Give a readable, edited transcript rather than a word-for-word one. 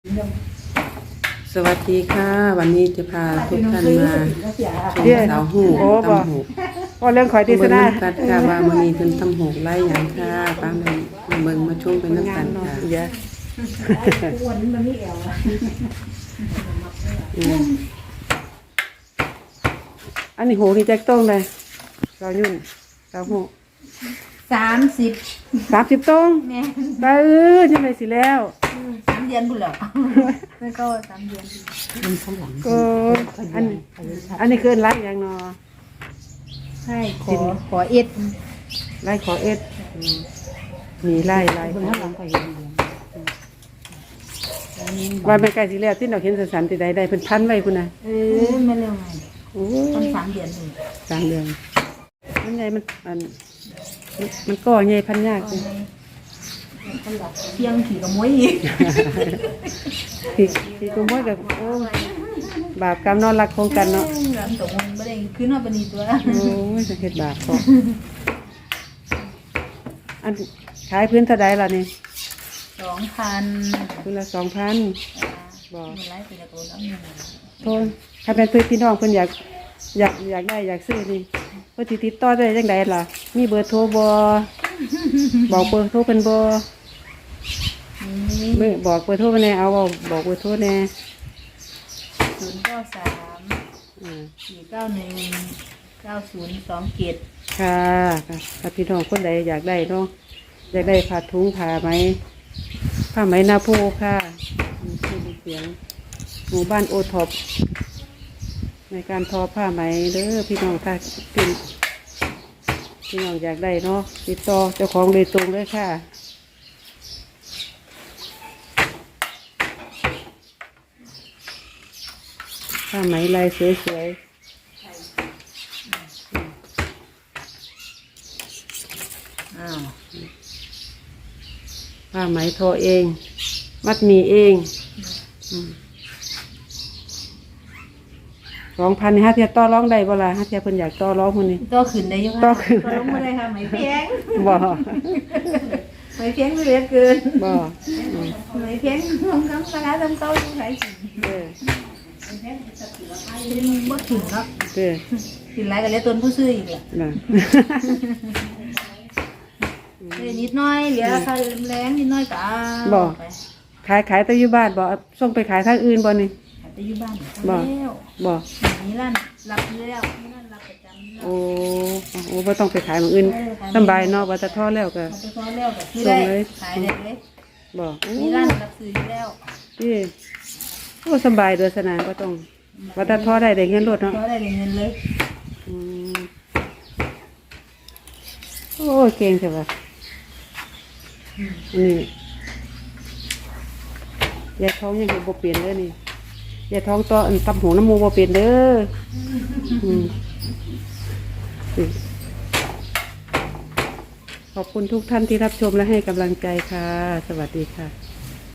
สวัสดีค่ะวันนี้จะพาทุกท่านมาชมสาวหูตำหูพอเรื่องขอยดีเบิ่สงนะน้ำกัดค่ะว่ามื้อนี้เพิ่นตำหูไล่หยังค่ะป้ามาเบิ่งมาชมเป็นน้ำกันค่ะเยอะวันนี้มันไม่แอวอะอันนี้โหนี่แจ็คต้องเลยสาวยุ่นสาวหู 30 ต้องแม่ไปยังไงสิแล้ว 3 เดือนบุญเหรอไม่ก็3 เดือนก็อันนี้คือไล่อย่างนอใช่ขอเอ็ดไล่ขอเอ็ดมีไล่ว่าไม่ไกลสิแล้วที่เราเห็นสันติใดเพิ่นพันไว้คุณน่ะไม่เร็วไงโอ้ต้น3 เดือนนี่ 3 เดือนมันไงมันก็ใหญ่พันยากจังเที่ยงขี่กับมวยอีกพี่กุมพ่อกับโอ้บาปกรรมนอนรักคงกันเนาะหลังตกมันไม่ได้ขึ้นมาเป็นอีตัวโอ้ยจะเฮ็ดบาปพออันขายพื้นเท่าใดล่ะนี่ 2,000 พื้นละ 2,000 บอกมีไลฟ์เป็นตัวน้ำหนึ่งโทษถ้าเป็นเพื่อนพี่น้องเพิ่นอยากได้อยากซื้อนี่เพิ่นสิติดต่อได้จังไดล่ะ มีเบอร์โทรบ่บอกเบอร์โทรเพิ่นบ่นี่บอกเบอร์โทรเพิ่นแน่เอาบอกเบอร์โทรแน่ 093 491 9027 ค่ะถ้าพี่น้องคนใดอยากได้เนาะอยากได้ผ้าถุงผ้าไหมนาโพค่ะชื่อเสียงหมู่บ้านโอท็อปในการทอผ้าไหมเด้อพี่น้องค่ะพี่น้องอยากได้เนาะติดต่อเจ้าของโดยตรงเลยค่ะผ้าไหมลายสวยๆอ้าวผ้าไหมทอเอง มัดหมีเอง2,000ฮะเทียต่อร้องได้บ่ล่ะฮะเทียเพิ่นอยากต่อร้องคนนี้ก็ขึ้นได้ยังต่อขึ้นก็ลงมาได้ค่ะไหมแพงบ่ไหมแพงไม่เหลือเกินบ่ไหมแพงลงน้ำปลาทำเต้าอยู่ไหนสิเด้อที่มันบ่ถึงเนาะเด้อถึงไรก็เลยต้นผู้ซื้ออีกแหละน่ะนิดหน้อยเหลือค่าแรงนิดหน้อยก็เอาไปขายแต่อยู่บ้านบ่ส่งไปขายทางอื่นบ่นี่แต่อยู่บ้านบ่แล้วบ่มีร้านรับอยู่แล้วมีร้านรับประจำแล้วโอ้บ่ต้องไปขายหม้องอื่นสำบายเนาะว่าจะทอแล้วก็พอไปซ้อนแล้วก็ซื้อได้ขายได้เลยบ่โอ้มีร้านรับซื้ออยู่แล้วพี่โอ้สำบายเด้อสนานบ่ต้องว่าจะทอได้เงินรถเนาะก็ได้เงินเลยอืมโอ้เก่งใช่ปะนี่ยายท้องยังบ่เปลี่ยนเลยนี่ยายท้องต่ออันตำหูน้ำมูบ่เปลี่ยนเด้อนี่ขอบคุณทุกท่านที่รับชมและให้กำลังใจค่ะ สวัสดีค่ะ